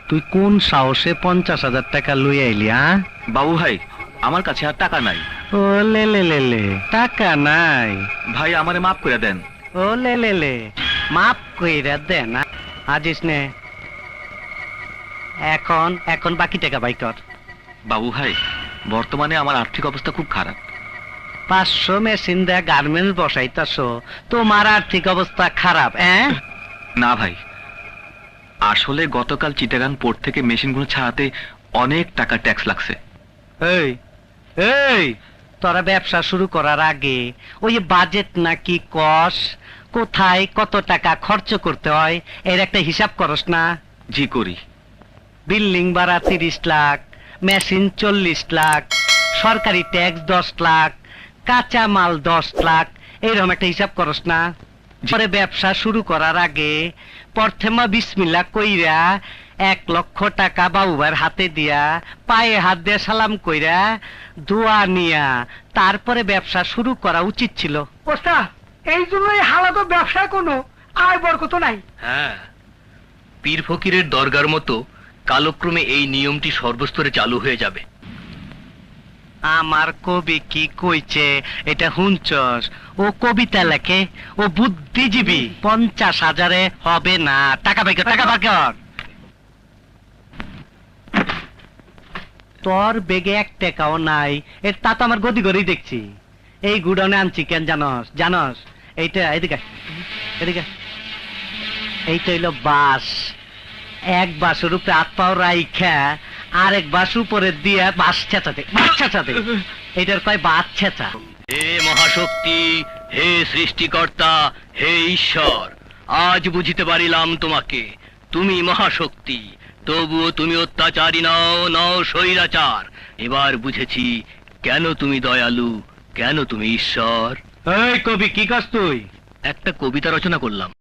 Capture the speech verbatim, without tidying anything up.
তুই কোন সাহসে পঞ্চাশ হাজার টাকা লই আইলি? হ্যাঁ বাবু ভাই, আমার কাছে আর টাকা নাই। ও লে লে লে লে, টাকা নাই? ভাই আমারে মাফ করে দেন। ও লে লে লে, মাপ কইরা দে না। আজিস নে, এখন এখন বাকি টাকা বাই কর। বাবু ভাই, বর্তমানে আমার আর্থিক অবস্থা খুব খারাপ। পাঁচশো মেশিন দেয়া গার্মেন্টস বসাইতাছো, তোমার আর্থিক অবস্থা খারাপ? হ্যাঁ না ভাই, আসলে গতকাল চিটাগাং পোর্ট থেকে মেশিনগুলো ছাড়াতে অনেক টাকা ট্যাক্স লাগছে। এই এই, তোরা ব্যবসা শুরু করার আগে ওই বাজেট নাকি কস, কোথায় কত টাকা খরচ করতে হয় এর একটা হিসাব করস না? জি করি। বিল্ডিং ভাড়া তিরিশ লাখ, মেশিন চল্লিশ লাখ, সরকারি ট্যাক্স দশ লাখ, কাঁচা মাল দশ লাখ, এইরকম একটা হিসাব করস না? পরে ব্যবসা শুরু করার আগে প্রথমা বিসমিল্লাহ কইরা এক লক্ষ টাকা বাবুবার হাতে দিয়া পায়ে হাত দিয়ে সালাম কইরা দোয়া নিয়া তারপরে ব্যবসা শুরু করা উচিত ছিল। ওস্তাদ, এই জন্যই হালাত ব্যবসায় কোনো আয় বরকত নাই। হ্যাঁ, পীর ফকিরের দরগার মতো কালক্রমে এই নিয়মটি সর্বস্তরে চালু হয়ে যাবে। আমার কবি কি কইছে এটা হুনচস? ও কবিতা লেখে, ও বুদ্ধিজীবী। পঞ্চাশ হাজারে হবে না, টাকা বাই কর, টাকা বাই কর। তোর বেগে এক টাকাও নাই, এর তা তো আমার গদি গড়েই দেখছি। এই গুডাউনে আনছি কেন জানস? জানস এইটা, এদিকে এদিকে, এইটা হইলো বাস। এক বাসের উপরে হাত পাও রাইখা আরেক বাস উপরে দিয়ে বাস ছেঁচাতে, বাস ছেঁচাতে, এইটার কয় বাস ছেঁচা। হে মহাশক্তি, হে সৃষ্টিকর্তা, হে ঈশ্বর, আজ বুঝিতে পারিলাম তোমাকে। তুমি মহাশক্তি, তবুও তুমি অত্যাচারী নও, নও স্বৈরাচার। এবার বুঝেছি কেন তুমি দয়ালু, কেন তুমি ঈশ্বর। এই কবি কি কাজ তুই? একটা কবিতা রচনা করলাম।